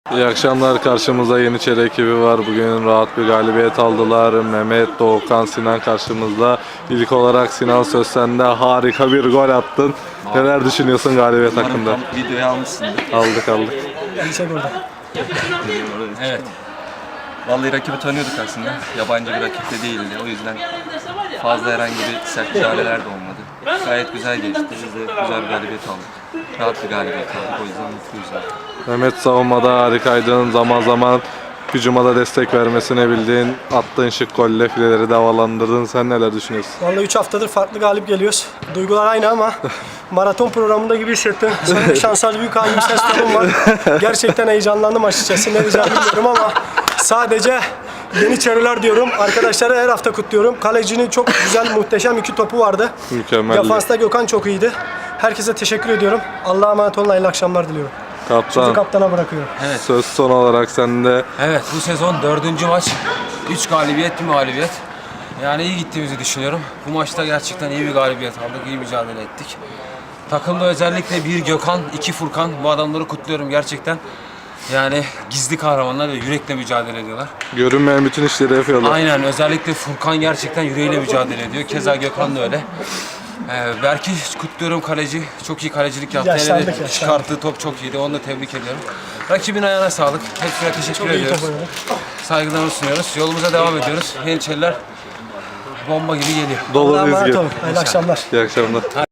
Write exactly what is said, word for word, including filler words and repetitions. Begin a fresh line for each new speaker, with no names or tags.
İyi akşamlar. Karşımızda Yeniçeri ekibi var. Bugün rahat bir galibiyet aldılar. Mehmet, Doğukan, Sinan karşımızda. İlk olarak Sinan, söz sende. Harika bir gol attın. Neler düşünüyorsun galibiyet hakkında?
Videoyu almışsındır.
Aldık aldık.
Çek orada.
Evet. Vallahi rakibi tanıyorduk aslında. Yabancı bir rakip de değildi. O yüzden fazla herhangi bir sert müdahaleler de olmadı. Gayet güzel geçti. Biz de güzel bir galibiyet aldık. Rahat bir galibiyet aldık. O yüzden mutluyuz.
Mehmet, savunmada harikaydın. Zaman zaman hücuma da destek vermesini bildin. Attığın şık golle fileleri de havalandırdın. Sen neler düşünüyorsun?
Vallahi üç haftadır farklı galip geliyoruz. Duygular aynı ama maraton programında gibi hissettim. Sanki Şansal Büyük Hanım ses tonum var. Gerçekten heyecanlandım açıkçası. Ne diyeceğimi bilmiyorum ama sadece Yeniçeriler diyorum. Arkadaşları her hafta kutluyorum. Kalecinin çok güzel, muhteşem iki topu vardı.
Mükemmel.
Defansta Gökhan çok iyiydi. Herkese teşekkür ediyorum. Allah'a emanet olun. Hayırlı akşamlar diliyorum. Sözü
Kaptan,
kaptana bırakıyorum.
Evet.
söz son olarak sende.
Evet, bu sezon dördüncü maç. Üç galibiyet, bir mağlubiyet. Yani iyi gittiğimizi düşünüyorum. Bu maçta gerçekten iyi bir galibiyet aldık, iyi mücadele ettik. Takımda özellikle bir Gökhan, iki Furkan. Bu adamları kutluyorum gerçekten. Yani gizli kahramanlar ve yürekle mücadele ediyorlar.
Görünmeyen bütün işleri yapıyorlar.
Aynen, özellikle Furkan gerçekten yüreğiyle mücadele ediyor. Keza Gökhan da öyle. Ee, Berk'i kutluyorum, kaleci. Çok iyi kalecilik yaptı.
Yaşlandık,
Hele de
yaşlandık.
çıkarttığı top çok iyiydi. Onu da tebrik ediyorum. Rakibin ayağına sağlık. Hepsine teşekkür
Çok iyi
ediyoruz.
top oynadı.
Saygılarımızı sunuyoruz. Yolumuza devam ediyoruz. Yeniçeriler bomba gibi geliyor.
Dolu
Allah'a emanet
dizgin.
olun. Hayırlı akşamlar.
İyi akşamlar.